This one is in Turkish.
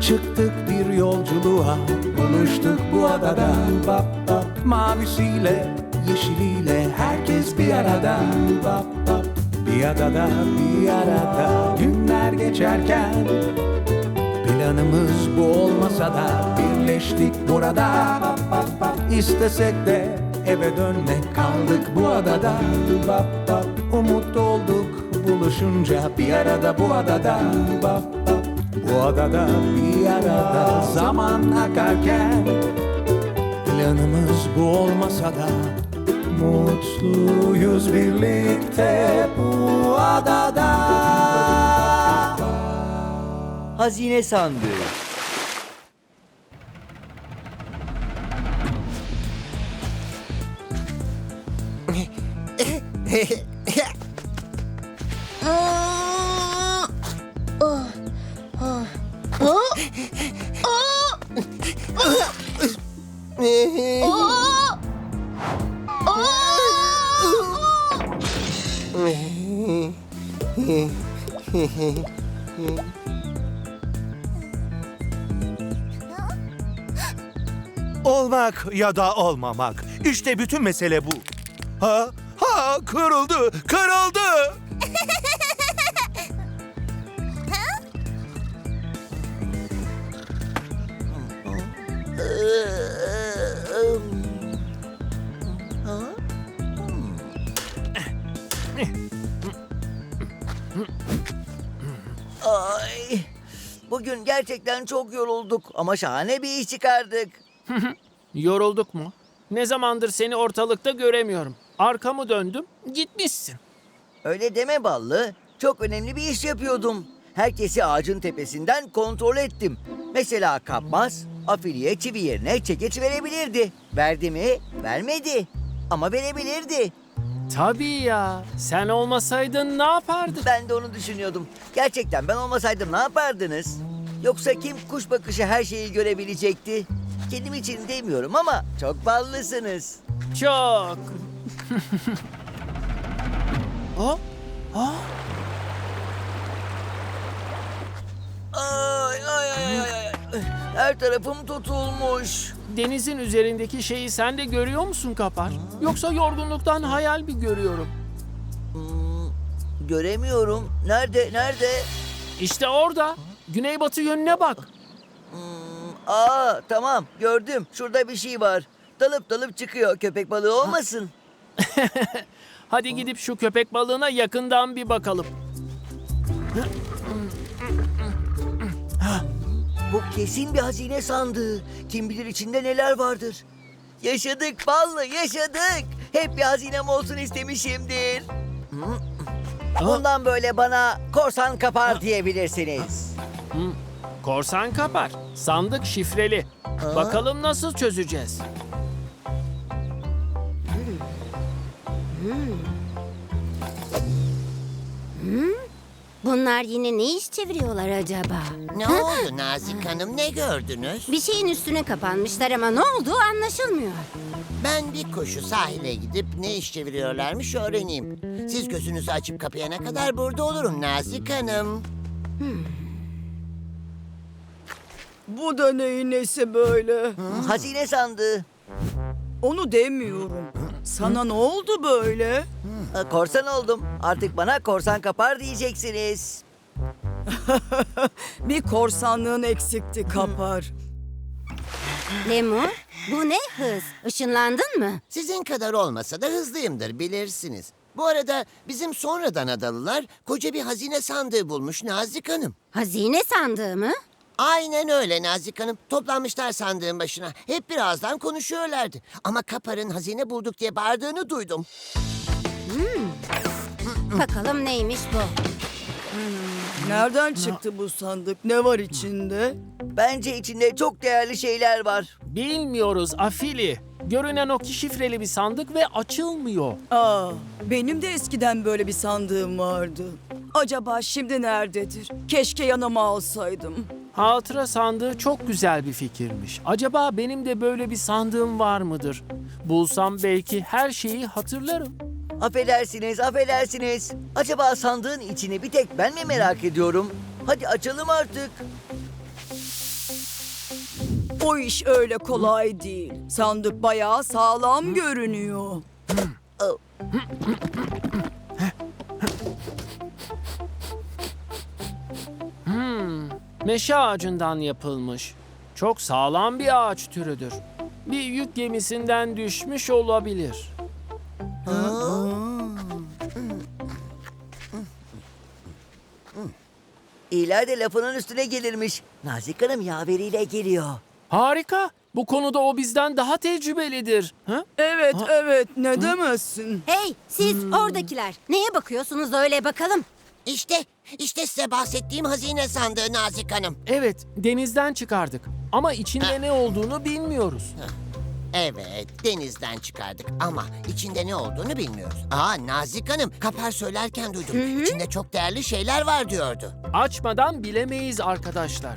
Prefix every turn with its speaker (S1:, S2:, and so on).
S1: Çıktık bir yolculuğa, buluştuk bu adada. Bap bap, mavisiyle, yeşiliyle herkes bir arada. Bap bap, bir adada, bir arada. Günler geçerken planımız bu olmasa da birleştik burada. Bap bap bap, istesek de eve dönmek, kaldık bu adada. Bap bap, umut olduk buluşunca bir arada bu adada. Bap bap, bu adada bir arada. Zaman akarken planımız bu olmasa da mutluyuz birlikte bu adada.
S2: Hazine sandığı.
S3: Olmak ya da olmamak. İşte bütün mesele bu. Kırıldı, kırıldı.
S2: Ay, bugün gerçekten çok yorulduk ama şahane bir iş çıkardık.
S4: Yorulduk mu? Ne zamandır seni ortalıkta göremiyorum. Arkamı döndüm, gitmişsin.
S2: Öyle deme Ballı. Çok önemli bir iş yapıyordum. Herkesi ağacın tepesinden kontrol ettim. Mesela kapmaz, afiliye çivi yerine çekeç verebilirdi. Verdi mi? Vermedi. Ama verebilirdi.
S4: Tabii ya. Sen olmasaydın ne yapardın?
S2: Ben de onu düşünüyordum. Gerçekten ben olmasaydım ne yapardınız? Yoksa kim kuş bakışı her şeyi görebilecekti? Kendim için demiyorum ama çok ballısınız.
S4: Çok.
S2: Ay ay ay ay ay. Her tarafım tutulmuş.
S4: Denizin üzerindeki şeyi sen de görüyor musun Kapar? Yoksa yorgunluktan hayal mi görüyorum?
S2: Göremiyorum. Nerede? Nerede?
S4: İşte orada. Güneybatı yönüne bak.
S2: Tamam gördüm. Şurada bir şey var. Dalıp dalıp çıkıyor. Köpek balığı olmasın?
S4: Hadi gidip şu köpek balığına yakından bir bakalım.
S2: Bu kesin bir hazine sandığı. Kim bilir içinde neler vardır. Yaşadık Ballı, yaşadık. Hep bir hazinem olsun istemişimdir. Bundan böyle bana korsan kapar diyebilirsiniz.
S4: Korsan Kapar. Sandık şifreli. Bakalım nasıl çözeceğiz?
S5: Bunlar yine ne iş çeviriyorlar acaba?
S6: Ne oldu Nazik Hanım, ne gördünüz?
S5: Bir şeyin üstüne kapanmışlar ama ne olduğu anlaşılmıyor.
S6: Ben bir koşu sahile gidip ne iş çeviriyorlarmış öğreneyim. Siz gözünüzü açıp kapayana kadar burada olurum Nazik Hanım.
S7: Bu da neyin nesi böyle?
S2: Hazine sandığı.
S7: Onu demiyorum. Sana ne oldu böyle?
S2: Korsan oldum. Artık bana korsan kapar diyeceksiniz.
S7: Bir korsanlığın eksikti kapar.
S5: Lemur, bu ne hız? Işınlandın mı?
S6: Sizin kadar olmasa da hızlıyımdır bilirsiniz. Bu arada bizim sonradan adalılar koca bir hazine sandığı bulmuş Nazik Hanım.
S5: Hazine sandığı mı?
S6: Aynen öyle Nazik Hanım. Toplanmışlar sandığın başına. Hep birazdan konuşuyorlardı. Ama Kapar'ın hazine bulduk diye bağırdığını duydum.
S5: Bakalım neymiş bu?
S7: Nereden çıktı bu sandık? Ne var içinde?
S2: Bence içinde çok değerli şeyler var.
S4: Bilmiyoruz Afili. Görünen o ki şifreli bir sandık ve açılmıyor.
S7: Benim de eskiden böyle bir sandığım vardı. Acaba şimdi nerededir? Keşke yanıma alsaydım.
S4: Hatıra sandığı çok güzel bir fikirmiş. Acaba benim de böyle bir sandığım var mıdır? Bulsam belki her şeyi hatırlarım.
S2: Affedersiniz, affedersiniz. Acaba sandığın içini bir tek ben mi merak ediyorum? Hadi açalım artık.
S7: O iş öyle kolay değil. Sandık bayağı sağlam görünüyor.
S4: Meşe ağacından yapılmış. Çok sağlam bir ağaç türüdür. Bir yük gemisinden düşmüş olabilir.
S2: İyiler de lafının üstüne gelirmiş. Nazik Hanım yaveriyle geliyor.
S4: Harika. Bu konuda o bizden daha tecrübelidir. Ha?
S7: Evet, evet. Ne demezsin?
S5: Hey siz oradakiler. Neye bakıyorsunuz öyle bakalım?
S6: İşte size bahsettiğim hazine sandığı Nazik Hanım.
S4: Evet, denizden çıkardık. Ama içinde ne olduğunu bilmiyoruz.
S6: Evet, denizden çıkardık ama içinde ne olduğunu bilmiyoruz. Nazik Hanım, Kapar söylerken duydum. İçinde çok değerli şeyler var diyordu.
S4: Açmadan bilemeyiz arkadaşlar.